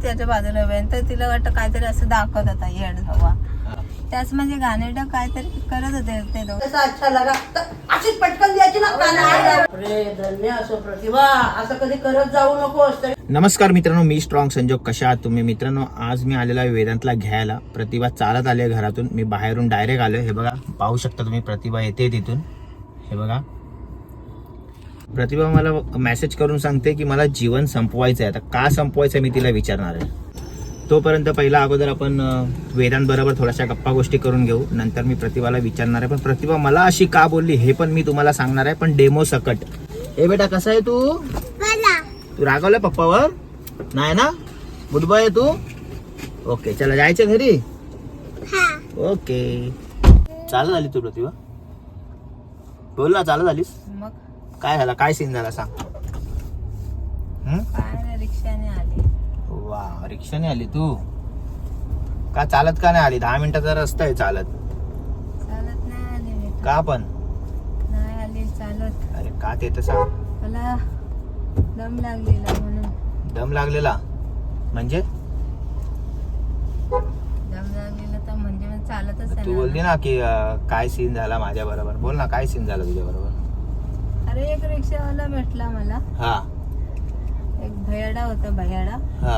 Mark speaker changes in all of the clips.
Speaker 1: त्याच्या बाजूला उभी आहे. तर तिला वाटतं काहीतरी असं दाखवत होता येड हवा. त्याच म्हणजे घाणेरडं काहीतरी करत होते ते दोघं.
Speaker 2: अच्छा लगा अशीच पटकन द्यायची ना काना. अरे धन्य असो प्रतिभा, असं कधी करत जाऊ नकोस.
Speaker 3: नमस्कार मित्रांनो, मी स्ट्रॉंग संजोग. कशा आहात तुम्ही मित्रांनो? आज मी आलेला आहे वेदांतला घ्यायला. प्रतिभा चालत आली आहे घरातून. मी बाहेरून डायरेक्ट आलोय. हे बघा, पाहू शकता तुम्ही, प्रतिभा येते तिथून. हे बघा, प्रतिभा मला मेसेज करून सांगते की मला जीवन संपवायचं आहे. आता का संपवायचं मी तिला विचारणार आहे. तोपर्यंत पहिला अगोदर आपण वेदांत बरोबर थोड्याशा गप्पा गोष्टी करून घेऊ. नंतर मी प्रतिभाला विचारणार आहे. पण प्रतिभा मला अशी का बोलली हे पण मी तुम्हाला सांगणार आहे, पण डेमो सकट. ए बेटा, कसा आहे तू? तू रागवलं पप्पावर? नाही ना? गुड बॉय आहे तू? ओके, चला जायचं घरी. ओके, चालत आली तू प्रतिभा? बोल ना, चालत आलीस?
Speaker 1: मग
Speaker 3: काय झाला? काय सीन झाला सांग.
Speaker 1: काय नाही, रिक्षाने आली.
Speaker 3: वा, रिक्षाने आली तू? का चालत का नाही आली? 10 मिनिटाचा रस्ता आहे. चालत
Speaker 1: चालत नाही आली मी.
Speaker 3: का पण
Speaker 1: नाही आली चालत.
Speaker 3: अरे का ते तर सांग.
Speaker 1: मला दम लागलेला म्हणून.
Speaker 3: दम लागलेला म्हणजे?
Speaker 1: दम लागलेला तर म्हणजे मी चालतच
Speaker 3: तू बोलली ना की काय सीन झाला माझ्या बरोबर. बोल ना, काय सीन झाला तुझ्या बरोबर?
Speaker 1: अरे एक रिक्षावाला भेटला मला.
Speaker 3: हा
Speaker 1: एक भयाडा होता, भयाडा.
Speaker 3: हा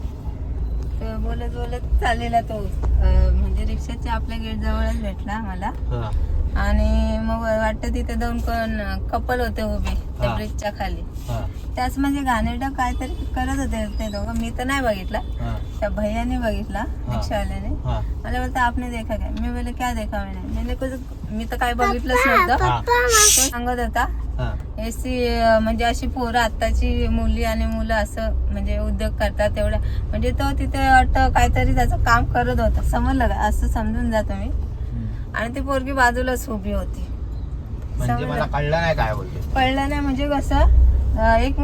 Speaker 1: तर बोलत बोलत चाललेला तो. म्हणजे रिक्षाच्या आपल्या गेट जवळच भेटला मला.
Speaker 3: हा
Speaker 1: आणि मग वाटतं तिथे दोन कपल होते उभे त्या
Speaker 3: हा.
Speaker 1: ब्रिजच्या खाली.
Speaker 3: हा
Speaker 1: त्याच म्हणजे घाणेरडं काहीतरी करत होते ते दोघं. मी तर नाही बघितला,
Speaker 3: हा
Speaker 1: त्या भैयाने बघितला, रिक्षावाल्याने.
Speaker 3: हा
Speaker 1: मला बोलता आपने देखा काय? मी बोले क्या देखा मैंने? मैंने कुछ, मी तर काय बघितलंच नव्हतं.
Speaker 3: हा.
Speaker 1: तो सांगत होता
Speaker 3: हा
Speaker 1: एसी म्हणजे अशी पोरं आत्ताची मुली आणि मुलं असं म्हणजे उद्योग करतात तेवढ्या. म्हणजे तो तिथे वाटतं काहीतरी त्याचं काम करत होता, समजलं का? असं समजून जा तुम्ही. आणि ती पोरगी बाजूलाच उभी होती.
Speaker 3: म्हणजे मला कळलं नाही काय बोलते.
Speaker 1: कळलं नाही म्हणजे कसं, एक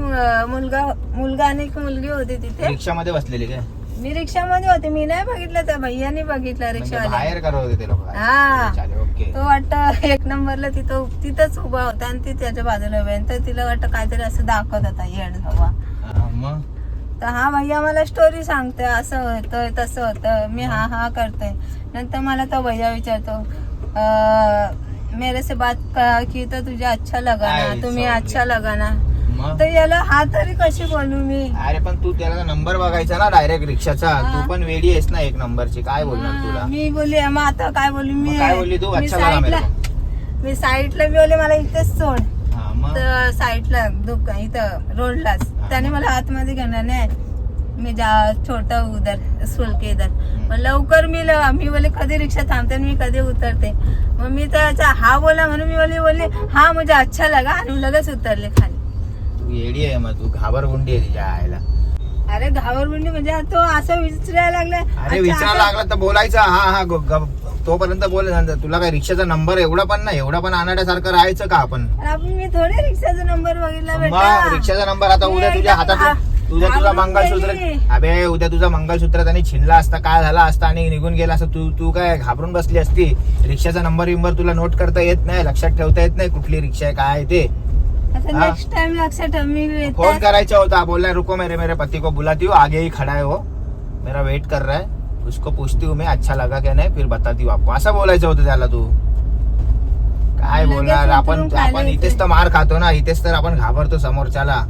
Speaker 1: मुलगा आणि एक मुलगी होती तिथे.
Speaker 3: रिक्षामध्ये बसलेली काय?
Speaker 1: मी रिक्षामध्ये होते, मी नाही बघितलं, त्या भैयाने बघितलं
Speaker 3: म्हणजे
Speaker 1: रिक्षावाल्या.
Speaker 3: बाहेर करत होते ते लोक?
Speaker 1: हा.
Speaker 3: ओके.
Speaker 1: तो वाटतं एक नंबरला तिथंच उभा होता आणि ती त्याच्या बाजूला उभी आहे. तर तिला वाटतं काहीतरी असं दाखवत होता येड हवा.
Speaker 3: मग
Speaker 1: तर हा भैया मला स्टोरी सांगतोय, असं होतं तसं होतं. मी हा हा करतोय. नंतर मला तो भैया विचारतो मेरे से बात की तर तुझे अच्छा लगा ना, तुम्ही अच्छा लगा ना.
Speaker 3: मग
Speaker 1: तर याला हा तरी कशी बोलू मी?
Speaker 3: अरे पण तू त्याला नंबर बघायचा ना डायरेक्ट रिक्षाचा.
Speaker 1: हा.
Speaker 3: तू पण वेडी आहेस ना एक नंबरची. काय बोलणार तुला?
Speaker 1: मी बोलली मग आता काय बोलू मी?
Speaker 3: मग काय बोलली तू?
Speaker 1: मी
Speaker 3: अच्छा लगा मेरे
Speaker 1: मी साईडला मी बोलले मला इथेच सोड.
Speaker 3: हा, मग
Speaker 1: तर साईडला दुकान इथं रोडलाच. त्याने मला आतमध्ये घेणार नाही. मी छोटा उधर स्कूल के इधर. मग लवकर मी बोले कधी रिक्षा थांबते मी कधी उतरते. मग मी त्याचा हा बोला म्हणून मी बोलली हा मुझे अच्छा लगा आणि लगेच उतरले खाली.
Speaker 3: तू येडी आहे. मग तू घाबरगुंडी आहे तिच्या आईला.
Speaker 1: अरे घाबरगुंडी म्हणजे तो असं विचारायला लागलाय.
Speaker 3: अरे विचारायला लागला तर बोलायचं हा हा तोपर्यंत बोल. तुला काय रिक्षाचा नंबर एवढा पण नाही, एवढा पण अनाड्यासारखं राहायचं का आपण?
Speaker 1: मी थोडे रिक्षाचा नंबर बघितला
Speaker 3: मग
Speaker 1: बेटा.
Speaker 3: रिक्षाचा नंबर आता उद्या तुझ्या हातात तुझा मंगळसूत्र. अबे उद्या तुझा मंगळसूत्र त्याने छिनला असता, काय झाला असता आणि निघून गेला असता, तू काय घाबरून बसली असती? रिक्षाचा नंबर तुला नोट करता येत नाही, लक्षात ठेवता येत नाही कुठली रिक्षा आहे काय आहे ते?
Speaker 1: नेक्स्ट टाइम लक्षात ठेव. मी
Speaker 3: फोन करायचा होता. बोल रहा रुको मेरे पति को बुलाती हूँ, आगे ही खड़ा है वो, मेरा वेट कर रहा है, उसको पूछती हूँ मैं अच्छा लगा क्या नाही, फिर बताती हूँ आपको. असं बोलायचं होतं त्याला. तू काय बोलणार? आपण इथेच तर मार खातो ना, इथेच तर आपण घाबरतो समोरच्याला.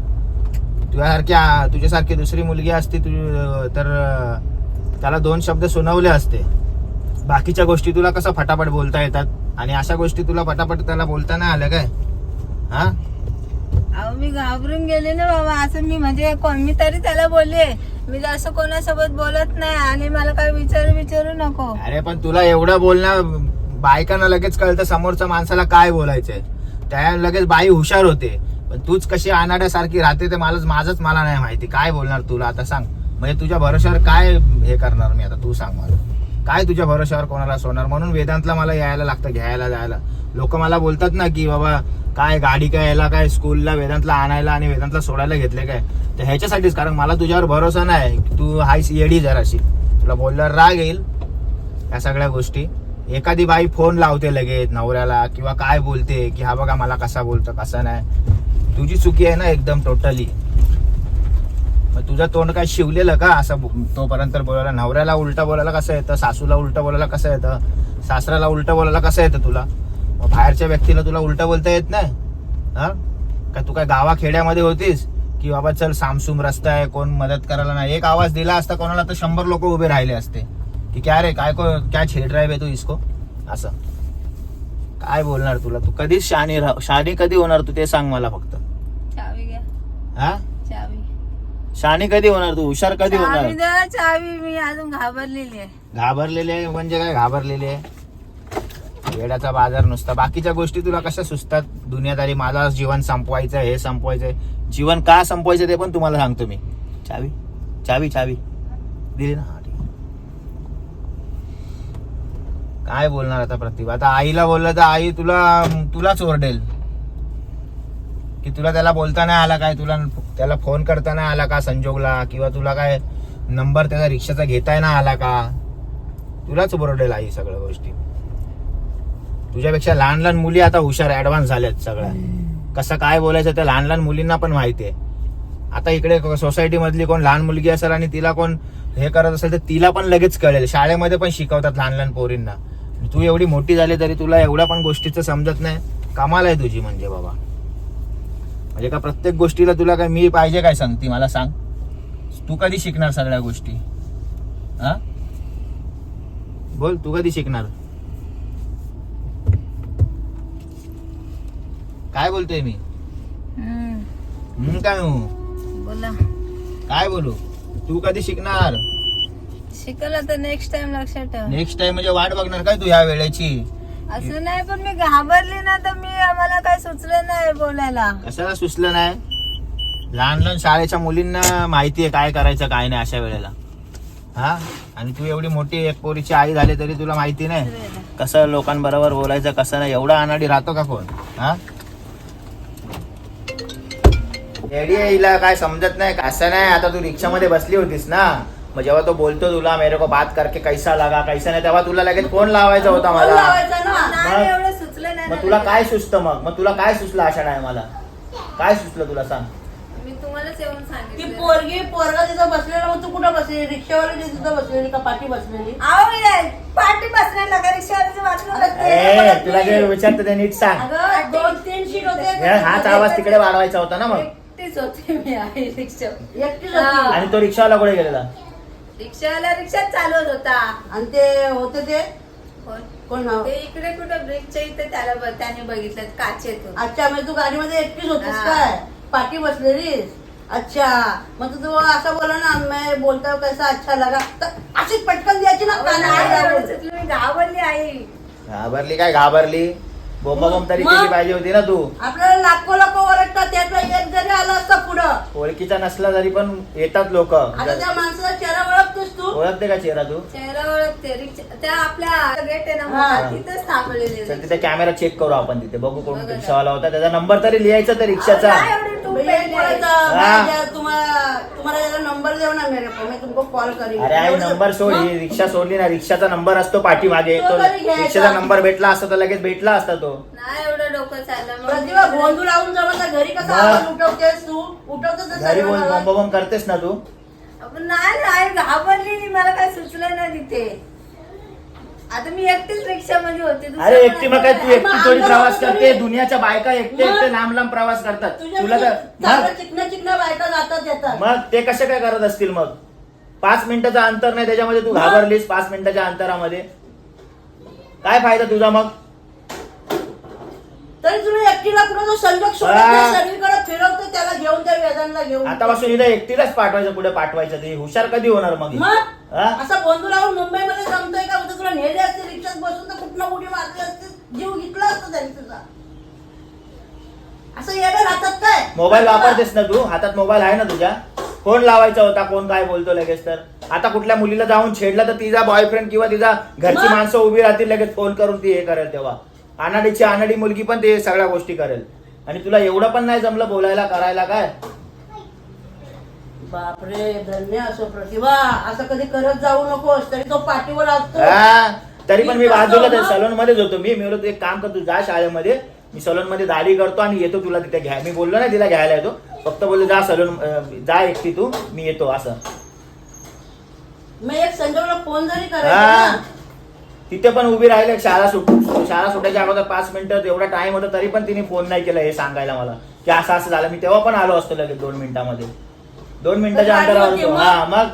Speaker 3: तुझ्यासारखी दुसरी मुलगी असती तर त्याला 2 शब्द सुनावले असते. बाकीच्या गोष्टी तुला कसं फटाफट बोलता येतात आणि अशा गोष्टी तुला फटाफट त्याला बोलता नाही आल्या काय? हा,
Speaker 1: अहो मी घाबरून गेले ना बाबा. असं मी म्हणजे मी तरी त्याला बोलले मी असं कोणासोबत बोलत नाही आणि मला काय विचारू नको.
Speaker 3: अरे पण तुला एवढं बोलणं, बायकांना लगेच कळतं समोरच्या माणसाला काय बोलायचंय. त्या लगेच बाई हुशार होते. पण तूच कशी अनाड्यासारखी राहते ते माझंच मला नाही माहिती. काय बोलणार तुला आता सांग? म्हणजे तुझ्या भरोश्यावर काय हे करणार मी आता? तू सांग मला, काय तुझ्या भरोश्यावर कोणाला सोडणार? म्हणून वेदांतला मला यायला लागतं, घ्यायला जायला. लोक मला बोलतात ना की बाबा काय गाडी काय यायला काय स्कूलला वेदांतला आणायला आणि वेदांतला सोडायला घेतले काय? तर ह्याच्यासाठीच, कारण मला तुझ्यावर भरोसा नाही. तू हायस येडी जराशी. तुला बोलल्यावर राग येईल या सगळ्या गोष्टी. एखादी बाई फोन लावते लगेच नवऱ्याला किंवा काय बोलते की हा बघा मला कसा बोलतो कसा नाही. तुझी चुकी आहे ना एकदम टोटली. मग तुझं तोंड काय शिवलेलं का असं तोपर्यंत बोलायला? नवऱ्याला उलटा बोलायला कसं येतं, सासूला उलटा बोलायला कसं येतं, सासऱ्याला उलटा बोलायला कसं येतं तुला? मग बाहेरच्या व्यक्तीला तुला उलटा बोलता येत नाही? हा काय तू काय गावा खेड्यामध्ये होतीस की बाबा चल सामसूम रस्ता आहे, कोण मदत करायला नाही? एक आवाज दिला असता कोणाला तर 100 लोक उभे राहिले असते की क्या रे काय छेड रहा है तू इसको. असं काय बोलणार तुला? तू कधीच शहाणी कधी होणार तू ते सांग मला फक्त.
Speaker 1: चावी घ्या,
Speaker 3: हा
Speaker 1: चावी.
Speaker 3: शहाणी कधी होणार तू? हुशार कधी होणार?
Speaker 1: चावी द्या, चावी. मी अजून घाबरलेली आहे.
Speaker 3: घाबरलेली आहे म्हणजे काय घाबरलेली आहे? वेड्याचा बाजार नुसता. बाकीच्या गोष्टी तुला कशा सुचतात? दुनियादारी, माझा जीवन संपवायचं, हे संपवायचंय. जीवन का संपवायचं ते पण तुम्हाला सांगतो मी. चावी चावी चावी दिली ना? हा, ठीक आहे. काय बोलणार आता प्रतिभा? आता आईला बोललं तर आई तुलाच ओरडेल की तुला त्याला बोलता नाही आला काय, तुला त्याला फोन करता नाही आला का संजोगला, किंवा तुला काय नंबर त्याचा रिक्षाचा घेताय ना आला का? तुलाच ओरडेल आई सगळ्या गोष्टी. तुझ्यापेक्षा लहान लहान मुली आता हुशार ऍडव्हान्स झाल्यात सगळ्या. कसं काय बोलायचं त्या लहान लहान मुलींना पण माहिती आहे. आता इकडे सोसायटी मधली कोण लहान मुलगी असेल आणि तिला कोण हे करत असेल तर तिला पण लगेच कळेल. शाळेमध्ये पण शिकवतात लहान लहान पोरींना. तू एवढी मोठी झाली तरी तुला एवढ्या पण गोष्टीचं समजत नाही. कमाल आहे तुझी म्हणजे बाबा. म्हणजे का प्रत्येक गोष्टीला तुला काय मी पाहिजे काय सांगती मला सांग? तू कधी शिकणार सगळ्या गोष्टी? हा बोल, तू कधी शिकणार? काय बोलतोय मी? काय
Speaker 1: बोला.
Speaker 3: काय बोलू? तू कधी शिकणार?
Speaker 1: शिकला तर नेक्स्ट टाइम लक्षात ठेव.
Speaker 3: नेक्स्ट टाइम म्हणजे वाट बघणार काय तू ह्या वेळेची?
Speaker 1: असं नाही, पण मी घाबरली ना तर मला काय सुचलं नाही बोलायला.
Speaker 3: कशाला सुचलं नाही? लहान लहान शाळेच्या मुलींना माहितीये काय करायचं काय नाही अशा वेळेला. हा आणि तू एवढी मोठी एक पोरीची आई झाली तरी तुला माहिती नाही कसं लोकांबरोबर बोलायचं कसं नाही. एवढा अनाडी राहतो का कोण? हा एडी हिला काय समजत नाही. असं नाही, आता तू रिक्षामध्ये बसली होतीस ना, मग जेव्हा तो बोलतो तुला मेरे को बात करके कैसा लगा कैसा नाही, तेव्हा तुला लगेच फोन लावायचा होता
Speaker 2: फोन
Speaker 3: मला.
Speaker 2: लावायचा ना.
Speaker 1: नाही, एवढं सुचलं नाही
Speaker 3: मग
Speaker 1: ना.
Speaker 3: तुला काय सुचतं? मग तुला काय सुचलं अशा नाही मला? काय सुचलं तुला सांग?
Speaker 1: मी तुम्हालाच येऊन
Speaker 2: ती
Speaker 1: सांगितलं.
Speaker 2: पोरगा तिथं बसलेला, मग तू कुठं बसलेली? रिक्षावाली तिथं बसलेली का पाठी बसलेली?
Speaker 1: आहो मी पाठी बसण्याला का रिक्षावाल्याच्या
Speaker 3: ए, तुला जे विचारतं ते नीट सांग.
Speaker 2: अगं 2-3 सीट होते.
Speaker 3: हाच आवाज तिकडे वाढवायचा होता ना. मग
Speaker 1: एकटीच होते मी आहे रिक्षा.
Speaker 2: एकटीच होती.
Speaker 3: आणि तो रिक्षावाला कुठे गेलेला?
Speaker 1: रिक्षावाला रिक्षात चालवत होता.
Speaker 2: आणि ते होते ते
Speaker 1: कोण?
Speaker 2: कोण नाव?
Speaker 1: ते इकडे कुठं ब्रिजच्या इथे त्याने बघितलं काचेतून.
Speaker 2: अच्छा, म्हणजे तू गाडीमध्ये एकटीच होतीस
Speaker 1: हा.
Speaker 2: काय? पाठी बसलेलीस? अच्छा, मग तू असं बोला ना, मैं बोलता हूं कैसा अच्छा लगा, तर अशीच पटकन द्यायची ना कानाला.
Speaker 1: मी घाबरली आई.
Speaker 3: घाबरली काय? घाबरली बोंबाबोंब तरी केली पाहिजे होती ना तू.
Speaker 2: आपल्याला लाखो लोक ओरडतात, त्यातला एक जरी आला असता पुढं.
Speaker 3: ओळखीचा नसला तरी पण येतात लोक.
Speaker 2: आता त्या माणसाचा चेहरा ओळखतोस तू?
Speaker 3: ओळखते का चेहरा तू?
Speaker 1: चेहरा ओळखते. रिक्षा त्या आपल्या गेट आहे ना
Speaker 2: हा.
Speaker 1: मोठा, तिथंच थांबलेले.
Speaker 3: चल तिथे कॅमेरा चेक करू आपण. तिथे बघू कोण
Speaker 1: बघा.
Speaker 3: रिक्षावाला होता, त्याचा नंबर तरी लिहायचा त्या रिक्षाचा.
Speaker 1: नाही एवढी टूप
Speaker 2: भैया,
Speaker 1: पेरली
Speaker 2: एक
Speaker 1: आहे.
Speaker 2: बोलायचं,
Speaker 3: हा.
Speaker 2: भैया, तुम्हाला याला नंबर देऊ ना मेरे को, मैं तुमको कॉल करेन.
Speaker 3: अरे आई नंबर सोड, ही रिक्षा सोडली ना, रिक्षाचा नंबर असतो पाठीमागे.
Speaker 2: तो
Speaker 3: तो
Speaker 2: तरी घ्यायचा.
Speaker 3: रिक्षाचा नंबर भेटला असता तर लगेच भेटला असता तो.
Speaker 1: नाही एवढं डोकं चाललं. मग
Speaker 2: प्रतिभा, गोंधळ लावून जमत घरी कसा
Speaker 3: मग?
Speaker 2: आवाज उठवतेस तू? उठवतेस ना
Speaker 3: घरी
Speaker 2: सर्वांना आवाज.
Speaker 3: बोंबाबोंब करतेस ना तू.
Speaker 1: आपण नाही घाबरली. मला काय सुचलं नाही तिथे. आता मी एकटीच रिक्षामध्ये होते. दुसरं
Speaker 3: अरे
Speaker 1: कोण
Speaker 3: एकटी मग काय तू
Speaker 1: नाही.
Speaker 3: एकटी थोडी प्रवास करते? दुनियाच्या बायका एकटे एकटे लांब लांब प्रवास करतात. तुला तर
Speaker 2: तुझ्या चिकन्या बायका जातात येतात.
Speaker 3: मग ते कसे काय करत असतील? मग 5 मिनिटाचं अंतर नाही त्याच्यामध्ये तू घाबरलीस. 5 मिनिटाच्या अंतरामध्ये काय फायदा तुझा? मग
Speaker 2: तरी तुला एकटीला कुठं तो संजोग सोडत नाही, सगळीकडे फिरवतो त्याला घेऊन, त्या वेदांना घेऊन.
Speaker 3: आतापासून हिला एकटीलाच पाठवायचं, पुढे पाठवायचं. ते हुशार कधी होणार मग ही?
Speaker 2: मग
Speaker 3: हा?
Speaker 2: असा गोंधळ लावून मुंबईमध्ये जमतोय का? तुला नेले असते रिक्षात बसून तर कुठं उडी मारली असते, जीव घेतला असता त्यांनी तुझा. असं येणं राहतात काय?
Speaker 3: मोबाईल वापरतेस ना तू? हातात मोबाईल आहे ना तुझ्या? फोन लावायचा होता, कोण काय बोलतो लगेच. तर आता कुठल्या मुलीला जाऊन छेडला तर तिचा बॉयफ्रेंड किंवा तिचा घरची
Speaker 2: मग?
Speaker 3: माणसं उभी राहतील लगेच फोन करून ती हे करेल. तेव्हा अनाडीची अनाडी मुलगी पण ते सगळ्या गोष्टी करेल. आणि तुला एवढं पण नाही जमलं बोलायला करायला काय?
Speaker 2: बापरे, धन्य असो प्रतिभा. असं कधी करत जाऊ नकोस. तरी तो पाठीवर असतो.
Speaker 3: हा, तरी पण मी बाजूला
Speaker 2: मग?
Speaker 3: सलून मध्येच होतो. मी बोलतो एक काम कर, तू जा शाळेमध्ये, मी सलून मध्ये दाढी करतो आणि येतो तुला तिथे घ्या. मी बोललो ना तिला घ्यायला येतो, फक्त बोललो जा सलून जा एकटी तू, मी येतो असं.
Speaker 2: मी एक संजोगला फोन जरी करायचा
Speaker 3: हा.
Speaker 2: ना,
Speaker 3: तिथे पण उभी राहिले, शाळा सुटायच्या अगोदर 5 मिनिटं एवढा टाइम होता तरी पण तिने फोन नाही केला हे सांगायला मला की असं असं झालं. मी तेव्हा पण आलो असतो लगेच 2 मिनिटामध्ये, 2 मिनिटाच्या
Speaker 2: गाडी
Speaker 3: अंतरावर
Speaker 2: होती
Speaker 3: होतो.
Speaker 2: मग?
Speaker 3: हा मग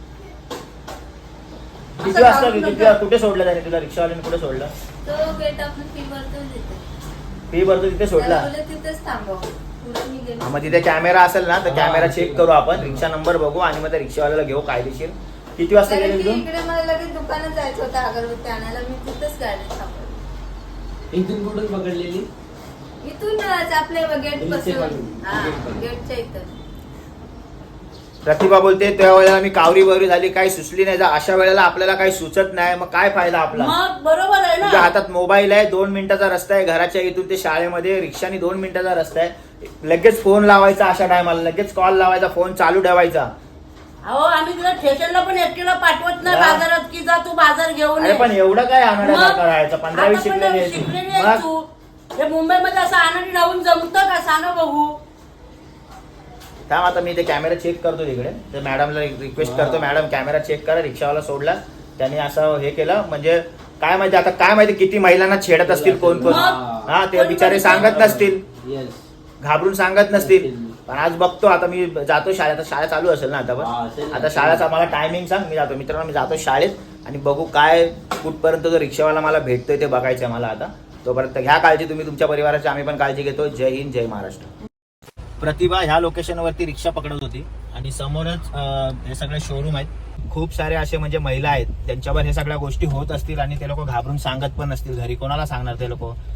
Speaker 3: किती
Speaker 2: असं
Speaker 3: वाजता
Speaker 2: गाडी
Speaker 3: तुला कुठे सोडलं त्याने, तुला रिक्षावाल्याने कुठे सोडलं?
Speaker 1: तो गेट आपण फी भरतो तिथे.
Speaker 3: फी भरतो तिथे सोडला.
Speaker 1: त्याला बोलले तिथेच थांबव. पुढे मी गेले.
Speaker 3: हा, मग तिथे कॅमेरा असेल ना तर कॅमेरा चेक करू आपण, रिक्षा नंबर बघू आणि मग त्या रिक्षावाल्याला घेऊ कायदेशीर. किती वाजता
Speaker 1: कारण
Speaker 3: गेले
Speaker 1: की
Speaker 3: तू?
Speaker 1: इकडे मला लगेच दुकानात जायचं होतं अगरबत्ती आणायला, मी तिथेच गाडी थांबवली.
Speaker 4: इथून कुठून पकडलेली?
Speaker 1: इथूनच आपल्या गेट
Speaker 4: इथे
Speaker 1: पासून.
Speaker 4: मागून.
Speaker 1: हा
Speaker 4: गेट पासून.
Speaker 1: गेटच्या इथं.
Speaker 3: प्रतिभा बोलते त्या वेळेला मी कावरी बवरी झाली, काही सुचली नाही. अशा वेळेला आपल्याला काही सुचत नाही, मग काय फायदा आपला?
Speaker 2: मग बरोबर आहे
Speaker 3: तुझ्या
Speaker 2: ना.
Speaker 3: हातात मोबाईल आहे, 2 मिनिटाचा रस्ता आहे घराच्या इथून ते शाळेमध्ये, रिक्षाने 2 मिनिटाचा रस्ता आहे. लगेच फोन लावायचा अशा टायमाला, लगेच कॉल लावायचा, फोन चालू ठेवायचा.
Speaker 2: अहो आम्ही तुला स्टेशनला पण एकटीला पाठवत नाही
Speaker 3: हा.
Speaker 2: बाजारात की जा तू बाजार घेऊन
Speaker 3: अरे
Speaker 2: ये.
Speaker 3: पण एवढं काय आणायला
Speaker 2: मग?
Speaker 3: करायचं? 15-20 शिकलेली आहे
Speaker 2: शिकलेली
Speaker 3: तू.
Speaker 2: आहे
Speaker 3: मग
Speaker 2: तू. हे मुंबईमध्ये असं आनंदी राहून जमतं का सांगा बघू.
Speaker 3: थांब आता मी ते कॅमेरा चेक करतो तिकडे, तर मॅडमला रिक्वेस्ट करतो, मॅडम कॅमेरा चेक करा. रिक्षावाला सोडला त्यांनी असं हे केलं, म्हणजे काय माहिती आता, काय माहिती किती महिलांना छेडत असतील कोण कोण.
Speaker 2: मग?
Speaker 3: हा ते बिचारे सांगत नसतील,
Speaker 4: येस.
Speaker 3: घाबरून सांगत नसतील. पण आज बघतो आता, मी जातो शाळेत, आता शाळा चालू असेल ना आता
Speaker 4: हा,
Speaker 3: पण.
Speaker 4: असेल ना.
Speaker 3: आता शाळेचा मला टायमिंग सांग, मी जातो. मित्रांनो मी जातो शाळेत आणि बघू काय कुठपर्यंत तो रिक्षावाला मला भेटतोय ते बघायचंय मला आता. तोपर्यंत घ्या काळजी तुम्ही तुमच्या परिवाराची, आम्ही पण काळजी घेतो. जय हिंद, जय महाराष्ट्र. प्रतिभा ह्या लोकेशनवरती रिक्षा पकडत होती आणि समोरच हे सगळे शोरूम आहेत. खूप सारे असे म्हणजे महिला आहेत त्यांच्यावर हे सगळ्या गोष्टी होत असतील आणि ते लोक घाबरून सांगत पण नसतील घरी. कोणाला सांगणार ते लोक?